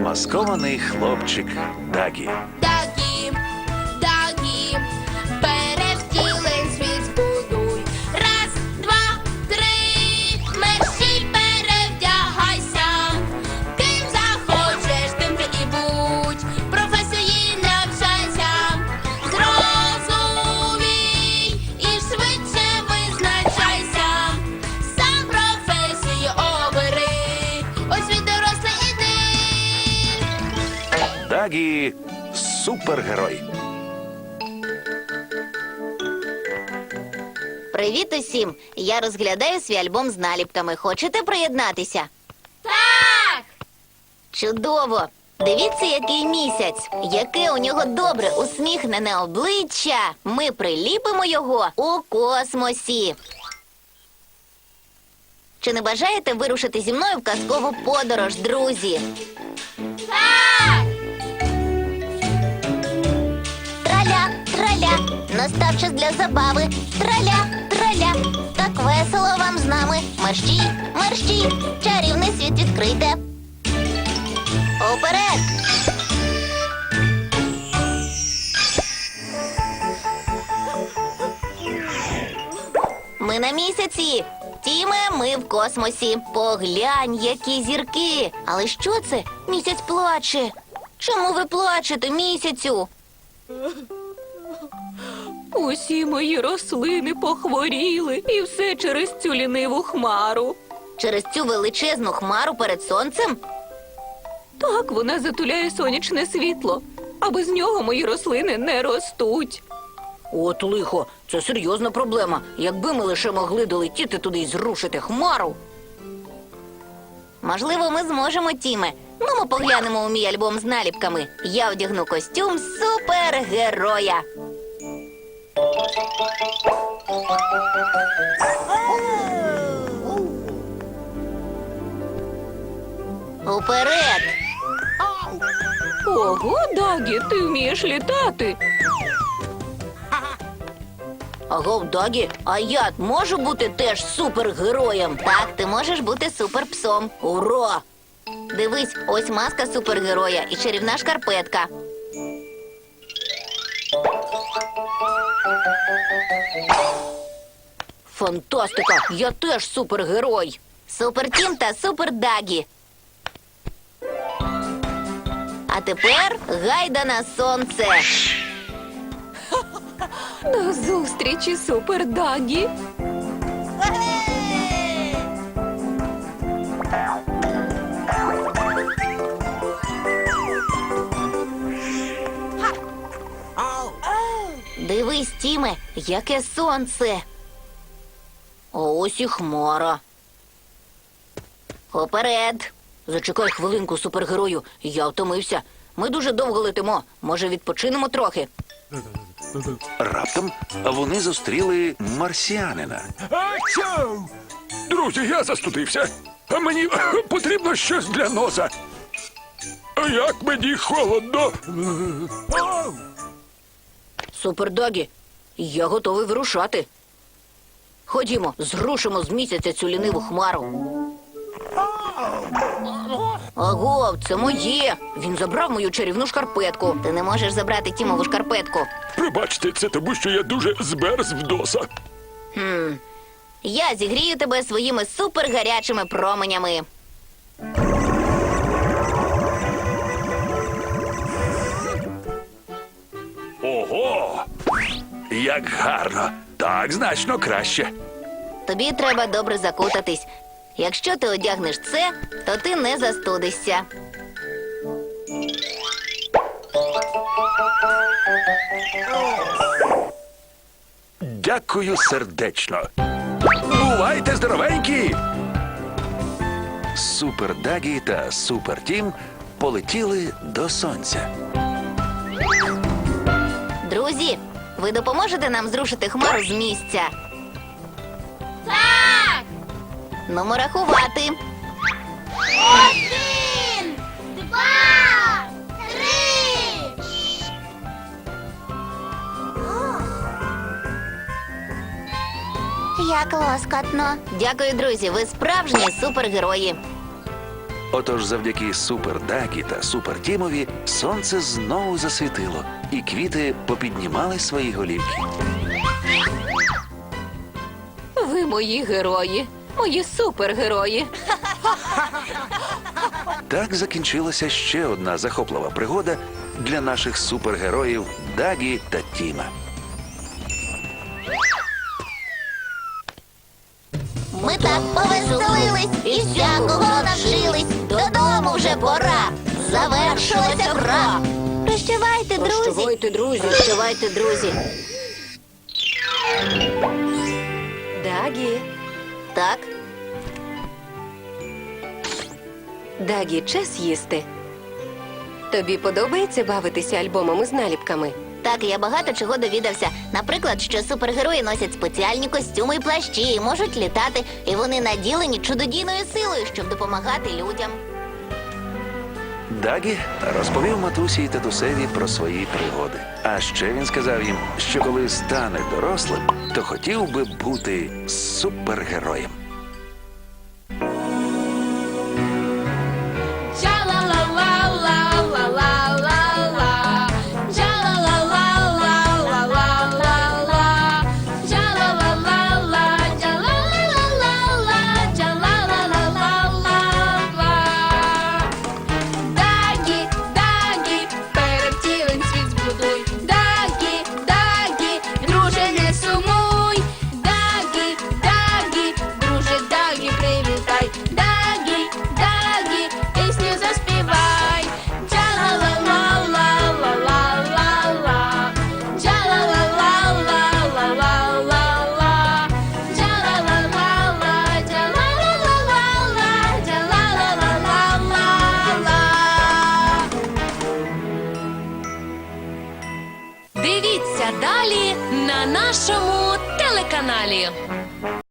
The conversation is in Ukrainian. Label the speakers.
Speaker 1: Замаскований хлопчик Дагі.
Speaker 2: Дагі, Дагі, перевтілень світ збудуй. Раз, два, три, мерщій перевдягайся. Ким захочеш, тим ти і будь. Професії навчайся. Зрозумій і швидше визначайся. Сам професію обери. Ось він дорослий іди.
Speaker 1: Дагі – супергерой.
Speaker 3: Привіт усім! Я розглядаю свій альбом з наліпками. Хочете приєднатися?
Speaker 2: Так!
Speaker 3: Чудово! Дивіться, який місяць! Яке у нього добре усміхнене обличчя! Ми приліпимо його у космосі. Чи не бажаєте вирушити зі мною в казкову подорож, друзі?
Speaker 2: Так!
Speaker 3: Траля, траля, настав час для забави. Траля, траля, так весело вам з нами. Мерщій, мерщій, чарівний світ відкрийте. Уперед! Ми на місяці. Тіме, ми в космосі. Поглянь, які зірки. Але що це? Місяць плаче. Чому ви плачете, місяцю?
Speaker 4: Усі мої рослини похворіли, і все через цю ліниву хмару.
Speaker 3: Через цю величезну хмару перед сонцем?
Speaker 4: Так вона затуляє сонячне світло, а без нього мої рослини не ростуть.
Speaker 5: От лихо, це серйозна проблема. Якби ми лише могли долетіти туди і зрушити хмару.
Speaker 3: Можливо, ми зможемо, Тіме. Ну, ми поглянемо у мій альбом з наліпками. Я вдягну костюм супергероя. Уперед!
Speaker 4: Ого, Дагі, ти вмієш літати.
Speaker 5: Агов, Дагі, а я можу бути теж супергероєм?
Speaker 3: Так, ти можеш бути суперпсом.
Speaker 5: Ура!
Speaker 3: Дивись, ось маска супергероя і чарівна шкарпетка.
Speaker 5: Фантастика! Я теж супергерой!
Speaker 3: Супертім та супердагі. А тепер гайда на сонце.
Speaker 4: До зустрічі, супер Дагі.
Speaker 3: Дивись, Тіме, яке сонце.
Speaker 5: А ось і хмара.
Speaker 3: Уперед.
Speaker 5: Зачекай хвилинку, супергерою. Я втомився. Ми дуже довго летимо. Може, відпочинемо трохи?
Speaker 1: Раптом вони зустріли марсіанина.
Speaker 6: Ачу! Друзі, я застудився. А мені потрібно щось для носа. А як мені холодно.
Speaker 5: Супердагі, я готовий вирушати. Ходімо, зрушимо з місяця цю ліниву хмару. Агов, це моє. Він забрав мою чарівну шкарпетку.
Speaker 3: Ти не можеш забрати Тімову шкарпетку.
Speaker 6: Пробачте, це тому, що я дуже змерз в носа.
Speaker 3: Я зігрію тебе своїми супергарячими променями.
Speaker 1: Ого! Як гарно! Так значно краще.
Speaker 3: Тобі треба добре закутатись. Якщо ти одягнеш це, то ти не застудишся.
Speaker 1: Дякую сердечно. Бувайте здоровенькі! Супер Дагі та Супер Тім полетіли до сонця.
Speaker 3: Друзі, ви допоможете нам зрушити хмару з місця?
Speaker 2: Так!
Speaker 3: Нумо рахувати.
Speaker 2: 1, 2, 3.
Speaker 3: Як лоскотно. Дякую, друзі, ви справжні супергерої.
Speaker 1: Отож, завдяки Супер Дагі та Супер Тімові сонце знову засвітило, і квіти попіднімали свої голівки.
Speaker 4: Ви мої герої, мої супергерої.
Speaker 1: Так закінчилася ще одна захоплива пригода для наших супергероїв Дагі та Тіма.
Speaker 3: Ми так повеселились і всякого навчились. Додому вже пора. Завершилася гра. Прощавайте, друзі.
Speaker 5: Прощавайте, друзі.
Speaker 3: Прощавайте, друзі.
Speaker 7: Дагі,
Speaker 3: Так,
Speaker 7: Дагі, час їсти. Тобі подобається бавитися альбомами з наліпками?
Speaker 3: так, я багато чого довідався. Наприклад, що супергерої носять спеціальні костюми і плащі, і можуть літати, і вони наділені чудодійною силою, щоб допомагати людям.
Speaker 1: Дагі розповів матусі і татусеві про свої пригоди. А ще він сказав їм, що коли стане дорослим, то хотів би бути супергероєм.
Speaker 2: Джа-ла-ла-ла-ла-ла-ла-ла. Джа-ла-ла-ла-ла-ла-ла-ла. Джа-ла-ла-ла-ла, джа-ла-ла-ла-ла-ла, джа-ла-ла-ла-ла-ла. Дагі, Дагі, перед цілим світ збудуй. Дагі, Дагі, друже, не сумуй. Дагі, Дагі, друже, Дагі, привітай. Дагі, Дагі, пісню заспівай. Джа-ла-ла-ла-ла-ла-ла-ла. Джа-ла-ла-ла-ла-ла-ла-ла. Джа-ла-ла-ла-ла, джа-ла-ла-ла-ла-ла, джа-ла-ла-ла-ла-ла. Дивіться далі на нашому телеканалі.